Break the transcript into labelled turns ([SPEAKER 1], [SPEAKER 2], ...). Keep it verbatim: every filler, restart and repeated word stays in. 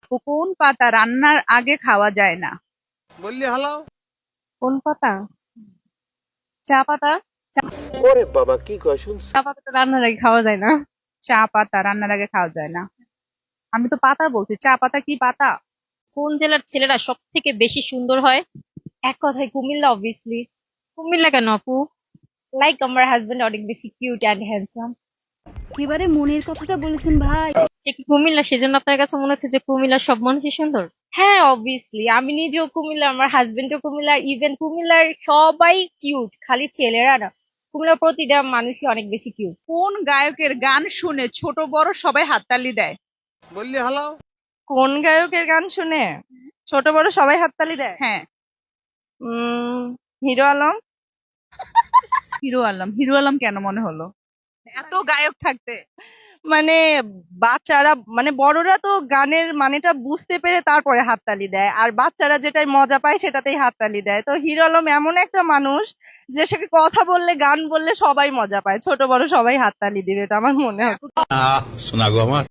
[SPEAKER 1] কোন পাতা রান্নার আগে খাওয়া যায় না?
[SPEAKER 2] বললি হালাও।
[SPEAKER 3] কোন পাতা? চা পাতা।
[SPEAKER 2] ওরে বাবা কি কয় শুনছ?
[SPEAKER 3] চা পাতা তো রান্নার আগে খাওয়া যায় না।
[SPEAKER 1] চা পাতা রান্নার আগে খাওয়া যায় না। আমি তো পাতা বলছি, চা পাতা কি পাতা?
[SPEAKER 4] কোন জেলার ছেলেরা সব থেকে বেশি সুন্দর হয়?
[SPEAKER 3] এক কথায় কুমিল্লা অবভিয়াসলি।
[SPEAKER 4] কুমিল্লা কেন আপু?
[SPEAKER 3] লাইক আমার হাজবেন্ড অনেক বেশি কিউট অ্যান্ড হ্যান্ডসাম।
[SPEAKER 5] একেবারে মনের কথাটা বলেছেন ভাই।
[SPEAKER 4] সে কি কুমিল্লা, সেজন্য আপনার কাছে মনে হচ্ছে যে কুমিল্লার সব মানুষই সুন্দর?
[SPEAKER 3] হ্যাঁ অবভিয়াসলি, আমি নিজেও কুমিল্লা, আমার হাজবেন্ডও কুমিল্লা, ইভেন কুমিল্লার সবাই কিউট, খালি ছেলেরা না, কুমিল্লার প্রতিটা মানুষই অনেক বেশি কিউট।
[SPEAKER 1] কোন গায়কের গান শুনে ছোট বড় সবাই হাততালি দেয়?
[SPEAKER 2] বললি হালাও।
[SPEAKER 3] কোন গায়কের গান শুনে ছোট বড় সবাই হাততালি দেয়?
[SPEAKER 1] হ্যাঁ,
[SPEAKER 3] উম হিরো আলম।
[SPEAKER 1] হিরো আলম। হিরো আলম কেন মনে হলো? এত গায়ক থাকতে।
[SPEAKER 3] মানে বাচ্চারা, মানে বড়রা তো গানের মানেটা বুঝতে পেরে তারপরে হাততালি দেয়, আর বাচ্চারা যেটাই মজা পায় সেটাতেই হাততালি দেয়। তো হিরো আলম এমন একটা মানুষ যে সে কথা বললে, গান বললে সবাই মজা পায়, ছোট বড় সবাই হাততালি দিবে, এটা আমার মনে হয়।
[SPEAKER 6] শোনা গো আমার।